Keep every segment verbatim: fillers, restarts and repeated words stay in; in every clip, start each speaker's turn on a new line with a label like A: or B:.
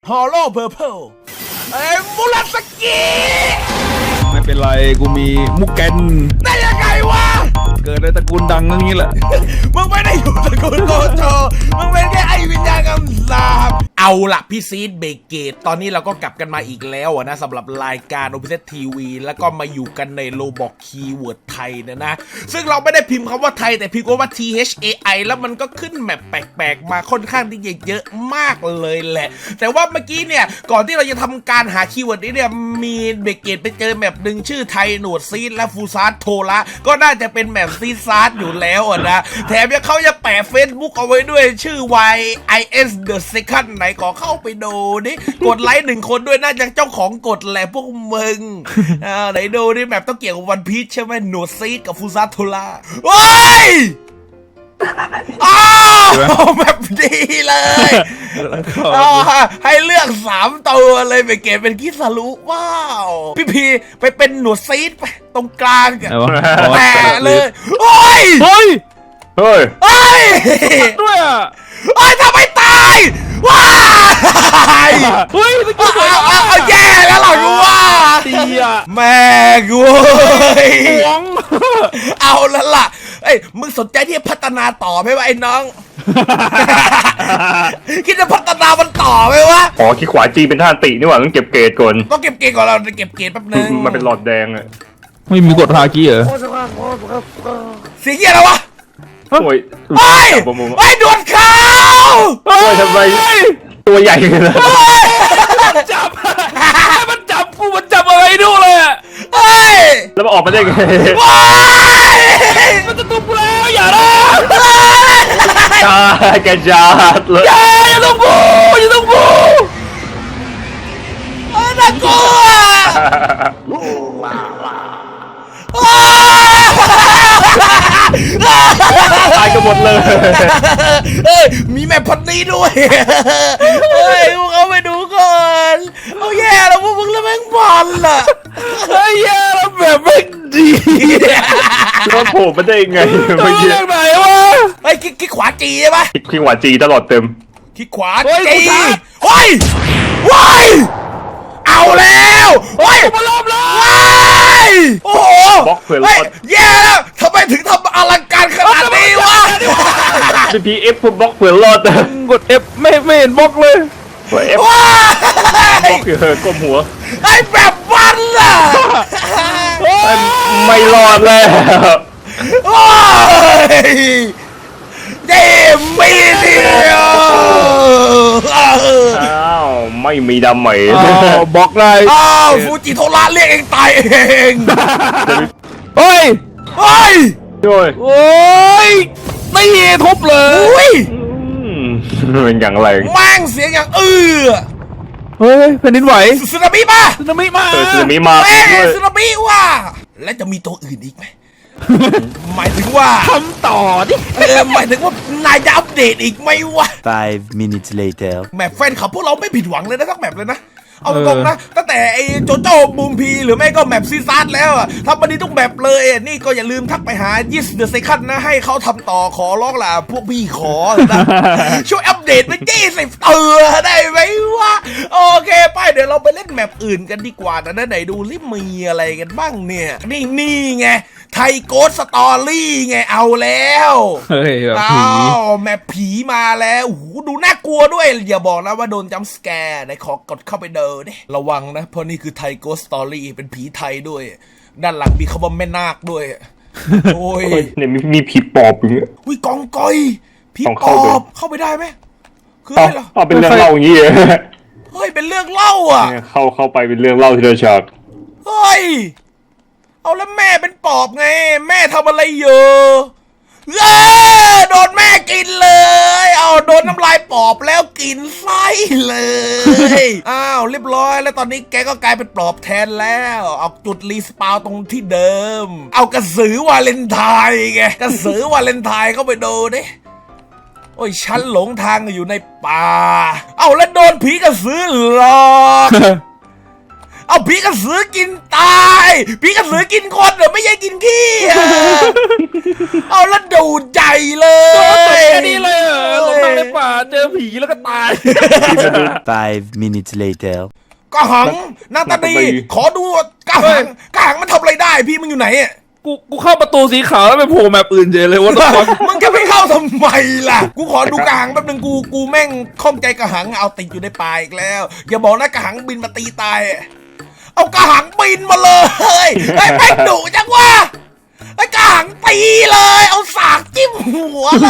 A: ฮอลโลเพอร์เพลเอ้มูราสกิ
B: ไม่เป็นไรกูมีมุกแกน
A: ได้ยังไงวะ
B: เกิดในตระกูลดังอย่างนี้แหละ
A: มึงไม่ได้อยู่ตระกูลโกโจมึงเป็นแค่ไอวิญญาณกำสาบเอาล่ะพี่ซีดเบเกตตอนนี้เราก็กลับกันมาอีกแล้วนะสำหรับรายการ โอ พี เซด ที วี แล้วก็มาอยู่กันในโลบอกคีย์เวิร์ดไทยเนี่ยนะซึ่งเราไม่ได้พิมพ์คำว่าไทยแต่พิมพ์ว่า ที เอช เอ ไอ แล้วมันก็ขึ้นแมปแปลกๆมาค่อนข้างที่จะเยอะมากเลยแหละแต่ว่าเมื่อกี้เนี่ยก่อนที่เราจะทำการหาคีย์เวิร์ดนี้เนี่ยมีเบเกตไปเจอแมปหนึ่งชื่อไทยหนวดซีดและฟูซาร์โทระก็น่าจะเป็นแมปซีซาร์อยู่แล้วนะแถมยังเขาจะแปะ Facebook เอาไว้ด้วยชื่อ วาย ไอ เอส The Second ไหนขอเข้าไปดูนี่กดไลค์หนึ่งคนด้วยน่าจะเจ้าของกดแหละพวกมึงอ่าไหนดูนี่แมปต้องเกี่ยวกับวันพีชใช่ไหมหนวดซีดกับฟูซาร์โทระโอ้ยอ้าวแบบดีเลยให้เลือกสามตัวเลยไปเก็บเป็นคิสารุว้าวพี่พีไปเป็นหนวดซีดไปตรงกลางกันแปะเลยโอ้ย
B: เฮ้ย
C: เฮ้ย
A: เฮ้ย
B: ด้วยอ่ะ
A: เฮ้ยทำไมตายว้าย
B: เฮ้ย
A: เอาแย่แล้วหรอกูว่า
B: ดีอ่ะ
A: แม่กูหวงเอาแล้วล่ะเอ้ยมึงสนใจที่จะพัฒนาต่อไหมวะไอ้น้องคิดจะพัฒนามันต่อไหมวะ
C: อ๋อขี้ขวาจีเป็นท่าตินี่หว่าต้องเก็บเกรดก่อน
A: ต้องเก็บเกรดก่อนเราเก็บเกรดแป๊บนึง
C: มันเป็นหลอดแดงอะ
B: ไม่มีกดฮากี้เหรอ
A: เสียงเหี้ยอะไรวะ
C: โอ้ย
A: ไอ้ไอ้ดวลเขา
C: โอ้ยทำไมตัวใหญ่เลยนะ
B: จับมันจับกูมันจับอะไรดูเลยอ่ะ
A: เฮ้ย
C: แล้วมันออกมาได้ไง
B: มันจะตุบกูแล้วอย่านะ
C: จ้าแกจัดเลย
B: อย่าอย่าต้องบูอย่าต้องบู
A: น่ากลัว
C: ตายกันหมดเลย
A: เฮ้ยมีแม่พันนี้ด้วยเฮ้ยพวกเขาไปดูก่อนเอาแย่แล้วพวกมึงแล้วแม่งบอลล่ะ
B: เฮ้ยแย่แล้วแบบไม่ดี
C: แล้วโผล่มาได้ไง
B: ไม่เรื่องไหนวะ
A: ไอ้คิกคิกขวาจีใช่ปะ
C: คิกขวาจีตลอดเต็ม
A: คิกขวาจีเฮ้ยเฮ้ยเอาแล้วเฮ้ย
B: มาล้อมแล้ว
A: โอ้โห
C: บล็อกเผื่อรอด
A: แย่แล้วทำไมถึงทำอลังการขนาดนี้วะ
C: พีพีเอฟบล็อกเผื่อรอด
B: กดเอฟไม่ไม่เห็นบล็อกเลย
C: กดเอฟบล็อกเออก้มหัว
A: ไอ้แบบวันล่ะ
C: ไม่รอดเลย
A: โอ้ยเจมีเดียว
C: อ้าวไม่มีดำไหม
B: บล็อกเลย
A: อ้าวฟูจิโทระเรียกเองตายเอง
B: เฮ้ย
A: เฮ้ย
C: โอ้ย
B: โอ้ยตีทุบเลย
C: เป็นอย่างไร
A: แม่งเสียงอย่างเออ
B: เฮ้ยแผ่นดินไหว
A: สึนามิมา
B: สึนามิมา
C: สึนามิมา
A: แม่สึนามิว่ะและจะมีตัวอื่นอีกไหมหมายถึงว่า
B: ทำต่อดิ
A: เออหมายถึงว่านายจะอัปเดตอีกไหมวะ
D: five minutes later
A: แมปแฟนขับพวกเราไม่ผิดหวังเลยนะทั้งแมปเลยนะเอาตรงนะตั้งแต่ไอ้โจโจ้บูมพีหรือไม่ก็แมปซีซัสแล้วอะทำมาดีทุกแมปเลยนี่ก็อย่าลืมทักไปหายิสเดอะเซคันนะให้เขาทำต่อขอร้องล่ะพวกพี่ขอนะช่วยอัปเดตไปยี่สิบเตือได้ไหมวะโอเคไปเดี๋ยวเราไปเล่นแมปอื่นกันดีกว่านะไหนดูลิมีอะไรกันบ้างเนี่ยนี่นี่ไงไทยโกสสตอรี่ไงเอาแล้ว
B: เฮ้ยแบบ
A: ผีอ้าวแมปผีมาแล้วโอ้โหดูน่ากลัวด้วยอย่าบอกนะว่าโดนจัมป์สแกร์ไหนขอกดเข้าไปเดินดิระวังนะเพราะนี่คือไทยโกสสตอรี่เป็นผีไทยด้วยด้านหลังมีคำว่าแม่นาคด้วยโอ้ย
C: เนี่ยมีมีผีปอบอย่างเงี้ย
A: วิกองกอยผีปอบเข้าไปได้ไหม
C: คืออะไรล่ะอ๋อเป็นเรื่องเล่าอย่างงี้
A: เฮ้ยเป็นเรื่องเล่าอ่ะ
C: เข้าเข้าไปเป็นเรื่องเล่าที่เราชอบ
A: เฮ้ยเอาแล้วแม่เป็นปอบไงแม่ทำอะไรอยู่เออโดนแม่กินเลยเอาโดนน้ำลายปอบแล้วกินไส้เลยอ้าวเรียบร้อยแล้วตอนนี้แกก็กลายเป็นปอบแทนแล้วเอาจุดรีสปาวตรงที่เดิมเอากระสือวาเลนไทน์ไงกระสือวาเลนไทน์เข้าไปดูดิโอ้ยฉันหลงทางอยู่ในป่าเอาแล้วโดนผีกระสือหลอกเอาผีกระสือกินตายผีกระสือกินคนเหรอไม่ใช่กินขี้อะเอาแล้วดูดใจเล
B: โอ้ตัวย แค่นี้เลยเหรอลงมาในป่าเจอผีแล้วก็ตาย
D: Five minutes later.
A: กระหังหน้าตาดีขอดูกระหังกระหังมันทำอะไรได้พี่มึงอยู่ไหนอะ
B: กูกูเข้าประตูสีขาวแล้วไปโผล่แมปอื่นเฉยเลยว่าต้อง
A: มึงจะไม่เข้าทำไมล่ะกูขอดูกระหังแป๊บนึงกูกูแม่งข้องใจกระหังเอาติดอยู่ในป่าอีกแล้วอย่าบอกนะกระหังบินมาตีตายเอากระหังบินมาเลยไอ้แม่งดุจังวะไอ้กระหังตีเลยเอาสากจิ้มหัวเลย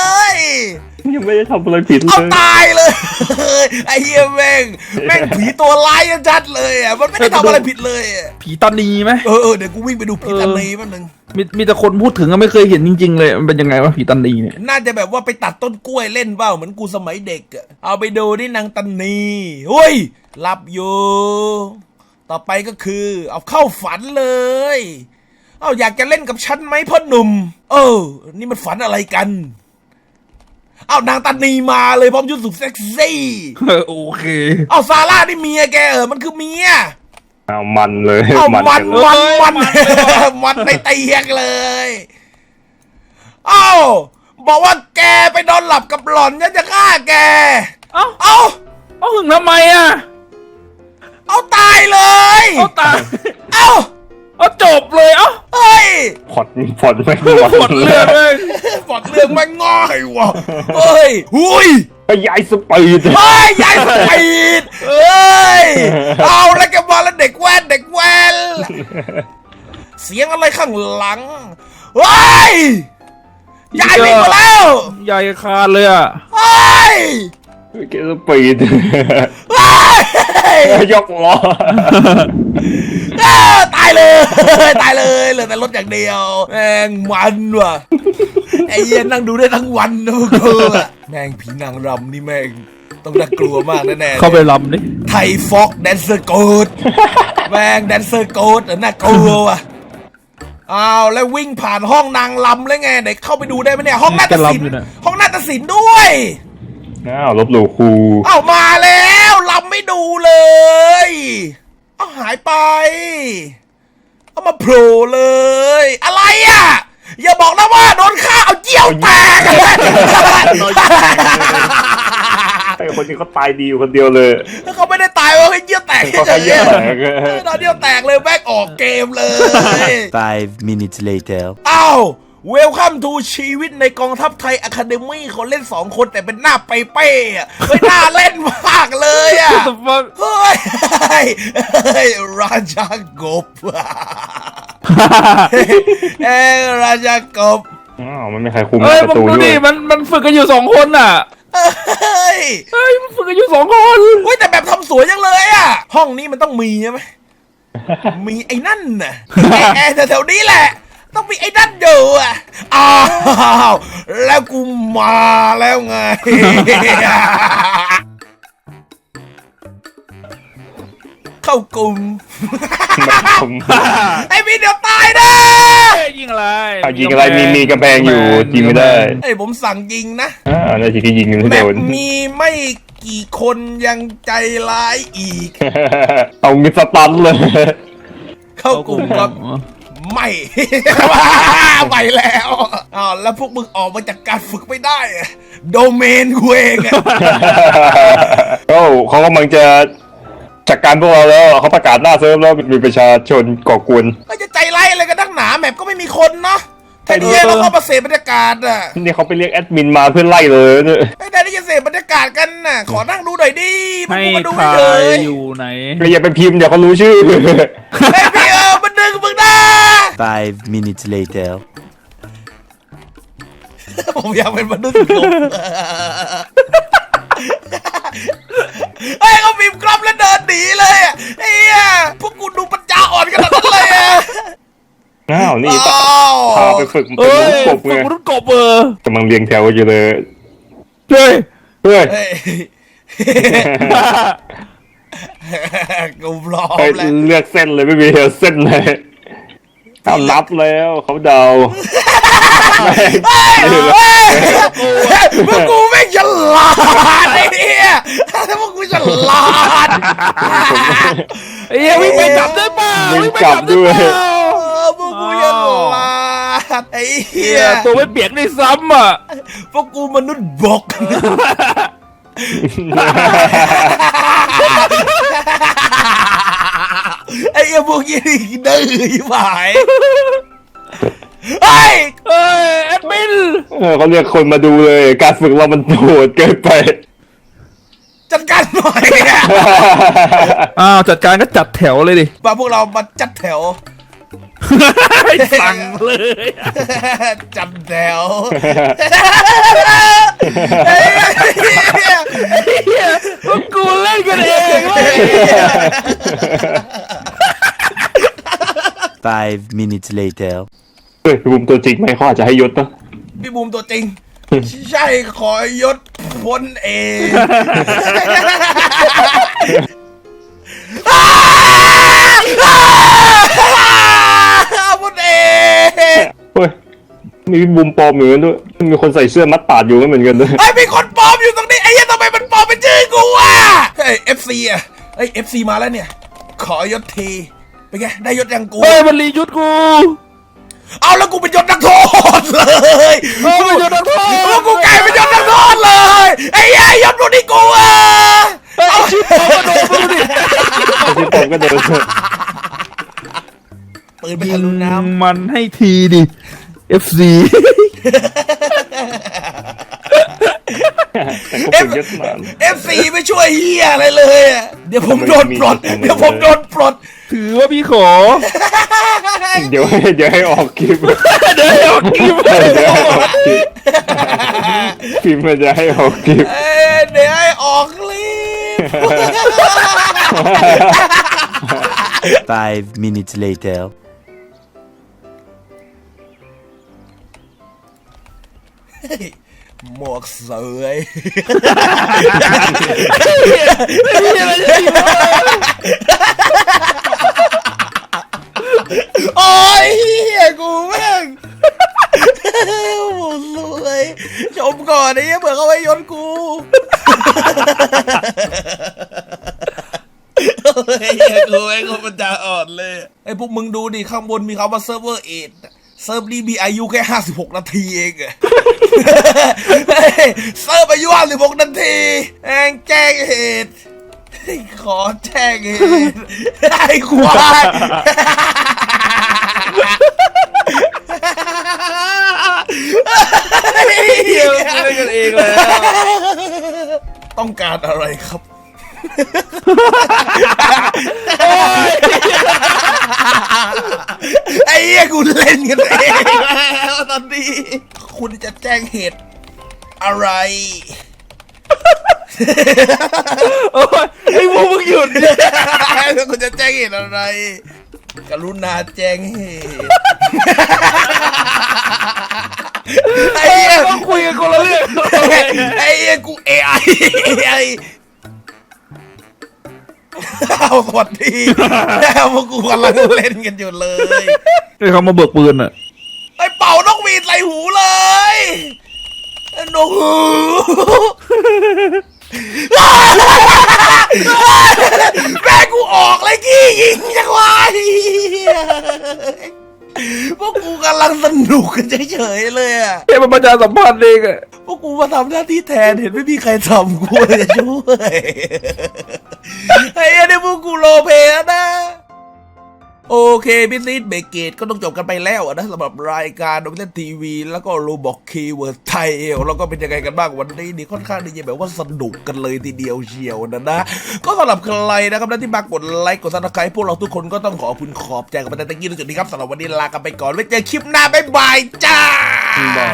C: ยังไม่ได้ทำอะไรผิดเล
A: เอา
C: ย
A: ตายเลยไอ้เหี้ยแม่งแม่งผีตัวร้ายจัดเลยอ่ะมันไม่ได้ทำอะไรผิดเลยอะ
B: ผีตานีไหม
A: เออเออเดี๋ยวกูวิ่งไปดูผีตันนีแป๊บนึง
B: มีมีแต่คนพูดถึงก็ไม่เคยเห็นจริงๆเลยมันเป็นยังไงวะผีตานีเนี่ย
A: น่าจะแบบว่าไปตัดต้นกล้วยเล่นเปล่าเหมือนกูสมัยเด็กอะเอาไปดูที่นางตันนีเฮ้ยหลับอยู่ต่อไปก็คือ เอาเข้าฝันเลยเอาอยากจะเล่นกับฉันไหมพ่อหนุ่มเออนี่มันฝันอะไรกันเอานางตันนีมาเลยพร้อมชุดสุดเซ็กซี่
B: เออโอเค
A: เอาซาร่านี่เมียแกเออมันคือเมีย
C: เอามันเลย
A: เอามัน
C: กันเลย
A: มันมัน
B: มันเลยว่ะ
A: มันในเตียงเลยเอ้าบอกว่าแกไปนอนหลับกับหล่อนฉันจะฆ่าแก
B: เอ้า
A: เอ้า
B: เอาหึงทำไมอ่ะ
A: เอาตายเลย
B: เอาตาย
A: เอ้า
B: เอาจบเลยเอ้า
A: เฮ้ย
C: ผ่อนผ่อนไม่
B: หมดเรื่องเลย
A: ปอดเรื่องมันง่ายว่ะเฮ้ยหุย
C: ไปย้ายสปีด
A: เฮ้ยยายสปีดเฮ้ยเอาแล้วแกมาแล้วเด็กแว่นเด็กแว่นเสียงอะไรข้างหลังเฮ้ยยายวิ่งมาแล้ว
B: ใหญ่คานเลยอ่ะ
A: เฮ้ย
C: เกสปีด
A: เฮ้ย
C: ยกล้อ
A: เอ้าตายเลย ตายเลยเหลือแต่รถอย่างเดียวแม่งมันว่ะไอ้เหี้ย็นนั่งดูได้ทั้งวันนะพวกกูอะแม่งผีนางรำนี่แม่งต้องน่ากลัวมากแน่ๆ
B: เข้าไปลำดิ
A: ไทยฟอกแดนเซอร์โกดแม่งแดนเซอร์โกดน่ากลัวว่ะอ้าวแล้ววิ่งผ่านห้องนางลำแล้วไงเด็กเข้าไปดูได้ไหมเนี่ยห้องนาฏศิลป์ห้องนาฏศิลป์ด้วย
C: อ้าวลบหลู่ครู
A: เอามาแล้วลำไม่ดูเลยเอาหายไป เอามาโผล่เลย อะไรอ่ะ อย่าบอกนะว่าโดนฆ่าเอาเจียวแตก
C: ไอ้คนนี้เขาตายดีอยู่คนเดียวเลย
A: เขาไม่ได้ตายว่าเจียวแตก
C: เขาแค่เยี่ยแตก
A: ตอนเจียวแตกเลยแบกออกเกมเลย
D: Five minutes later.
A: อ้าวเวลคัมทูชีวิตในกองทัพไทยอะคาเดมี่เขาเล่นสองคนแต่เป็นหน้าเป้ๆอะเฮ้ยน่าเล่นมากเลยอ่ะ
B: What the fuck
A: เฮ้ยเฮ้ยเฮ้ยราชากบเอ้ยราชากบ
C: อ้าวมันไม่ใครคุม
B: เอ้ย
C: ป
B: มึ
C: ระ
B: ง
C: ตู
B: ดู
C: ด้ว
B: ดิ
C: ย
B: มันมันฝึกกันอยู่สองคนน่ะ
A: เฮ้ย
B: เฮ้ยมันฝึกกันอยู่สองคน
A: เฮ้ยแต่แบบทำสวยจังเลยอ่ะห้องนี้มันต้องมีใช่ไหมมีไอ้นั่นน่ะแอร์แอร์แถวๆนี้แหละ ต้องมีไอ้นั่นอยู่อ่ะอ้าวแล้วกูมาแล้วไง เข้ากลุ่ม
C: ผม
A: ไอ้พี่เดี๋ยวตายนะ
B: เอ้ยยิงอะไร
C: อ่ะยิงอะไรมีมีกำแพงอยู่ยิงไม่ได้
A: ไอ้ผมสั่งยิงนะ
C: อ่าแล้วทีที่ยิงไม่
A: แบ
C: โด
A: บ
C: น
A: มีไม่กี่คนยังใจร้ายอีก
C: เอามีสตันเลย
A: เข้ากลุ่มครับไม่ ไปแล้วอ้าวแล้วพวกมึงออกมาจากการฝึกไม่ได้อะโดเมนกูเองอะ
C: โอ้เขากำลังจะจัดการพวกเราแล้วเขาประกาศหน้าเซิร์ฟแล้วมีประชาชนก่อกวน
A: ก็จะใจร้ายอะไรกันนักหนาแมปก็ไม่มีคนเนาะแต่เนี่ยเราเข้ามาเสพบรรยากาศอ่ะ
C: นี่เขาไปเรียกแอดมินมาเพื่อไล่เลยเนี่ย
A: ไอ้ได้ที่จะเสพบรรยากาศกันน่ะขอนั่งดูหน่อยดิพวก
B: ให้
A: กูมาดู
B: ใคร
A: ไม่เลย
B: อยู่ไหน
C: ก็อย่าไปพิมพ์เดี๋ยวเขารู้ชื่อ
A: ไอ้พี่เออมันดึงมึงนะ
D: Five minutes later.
A: ผมอยากเป็นมนุษย์กบไอ้ยเขาพิมพ์กรอบแล้วเดินหนีเลยอะไอ้เหี้ยพวกกูดูปัญญาอ่อนกันขนาดนั้นเลยอะ
C: อ้าวนี่
A: อ้าว
C: พาไปฝึกเป็น
B: เอ้
C: มนุษ
B: ย
C: ย์กบ
B: ฝึ
C: ไง
B: กมนุษย์กบเออก
C: ำลังเรียงแถวอยู่เลย
B: เฮ้ย
C: เฮ้ย
A: เฮ้ยกูพร้อม
C: เฮ้ย
A: แล้ว
C: เลือกเส้นเลยไม่มีเส้นเลยเอานับแล้วเขาเดา
A: เฮ้ยเฮ้ยพวกกูไม่งฉลาดไอ้เนี่ยพวกกูฉลาด
B: ไอ้เหี้ยวิ่งไปจับได้เปล่า
C: วิ่งจับด้วย
B: เปล่า
A: เออพวกกูยังลาดไอ้เหี้
B: เหี้
A: ย
B: ยตัวไม่เปียกด้วยซ้ำอ่ะ
A: พวกกูมนุษย์บก ไอ้เหี้ยพวกนี้นี่ดื้อยิ่งหายเฮ้ย
B: เอ้ยแอดมิน
C: เออเขาเรียกคนมาดูเลย การฝึกเรามันโหดเกินไป
A: จัดการหน่อยอะ
B: อ้าวจัดการก็จัดแถวเลยดิ
A: มาพวกเรามาจัดแถว
B: สั่งเลย
A: จัดแถวไอ้เหี้ย
B: เหี้ยพวกกูเล่นกันเองเว้ย
D: Five minutes later.
C: เฮ้ยมุมตัวจริงไหมเขาอาจจะให้ยศปะ
A: พี่บูมตัวจริง ใช่ขอยศพ้นเองพ้นเอง
C: เฮ้ยมีมุมปลอมเหมือนกันด้วยมีคนใส่เสื้อมัดปาดอยู่ก็เหมือนกันด้วย
A: ไอ้มีคนปลอมอยู่ตรงนี้ไอ้เหี้ยทำไมมันปลอมเป็นชื่อกูวะเฮ้ยเอฟซีอ่ะเฮ้ยเอฟซีมาแล้วเนี่ย ขอยศทีเป็นไงได้ยศยังกู
B: เฮ้ยมันรียุทธกู
A: เอาแล้วกูเป็นยศนักโทษเลย
B: เฮ้ยมันยศนักโทษ
A: แล้วกูกลายเป็นยศนักโทษเลยไอ้ยัยยศตัวนี้กูอ่ะ
B: เฮ้ยชิบหายโดนกูดิ
C: ที่ผมก็เดิน
A: ปืนไปทะลุน้
B: มันให้ทีดิ เอฟ ซี
C: แต่ก็เป็นยศนาน
A: ำเอฟซีไม่ช่วยเฮียอะไรเลยอะเดี๋ยวผมโดนปลดเดี๋ยวผมโดนปลด
B: ถือว่าพี่ขอ
C: เดี๋ยวให้เดี๋ยวให้ออกคลิป
B: เดี๋ยวเอากิม
C: เดี๋ยวให้ออกคลิปคลิปมันจะให้ออกคลิป
A: เอ้ยเดี๋ยวให้ออกคลิป
D: Five minutes later.
A: หมวกเสยโอ้ยเฮียกูแม่งหมดเลยชมก่อนไอ้เหี้ยเผื่อเขาไว้ยนกูไอ้เหี้ยกูไอ้คนมันจะอ่อนเลยไอ้พวกมึงดูดิข้างบนมีคำว่าเซิร์ฟเวอร์เอทเซิร์ฟนี้มีอายุแค่ห้าสิบหกนาทีเองอะเซิร์ฟอายุห้าสิบหกนาทีแองแจ้งเหตุขอแจ้งเหตุไอ้ควาย
B: เดี๋ยวเล่นกันเองแล้ว
A: ต้องการอะไรครับ ไอ้เหี้ยกูเล่นกันเองแล้วตอนนี้คุณจะแจ้งเหตุอะไร
B: โอ้ยไอ้พวกมึงหยุดดิ
A: คุณจะแจ้งเหตุอะไร กรุณาแจ้งเหตุไอ้เหี้ย
B: ต้องคุยกันคนละเรื่อง
A: ไอ้เหี้ยกูเอไอไอเอาสวัสดีแล้วพวกกูกำลังเล่นกันอยู่เลย
B: ไอ้เขามาเบิกปืนอ่ะ
A: ไอ้เป่านกหวีดใส่หูเลยนกหูแม่กูออกเลยกี้ยิงจังวะพวกกูกำลังสนุกกันเฉยๆเลยอะ
B: แค่มันประชาสัมพันธ์เองอ่ะ
A: พวกกูมาทำหน้าที่แทนเห็นไม่มีใครทำกูเลยจะช่วยไอ้เนี่ยพวกกูโลเพแล้วนะโอเคพิซซิสเบเกตก็ต้องจบกันไปแล้วนะสำหรับรายการโดมิเนตทีวีแล้วก็โรบอกคีย์เวิร์ดไทยแล้วก็เป็นยังไงกันบ้างวันนี้นี่ค่อนข้างที่จะแบบว่าสนุกกันเลยทีเดียวเชียวนะนะก็สำหรับใครนะครับที่มากดไลค์กดซับสไครป์พวกเราทุกคนก็ต้องขอบคุณขอบใจกับประเทศตะกี้ในจุดนี้ครับสำหรับวันนี้ลากันไปก่อนไว้เจอคลิปหน้าบ๊ายบายจ้า
C: ได้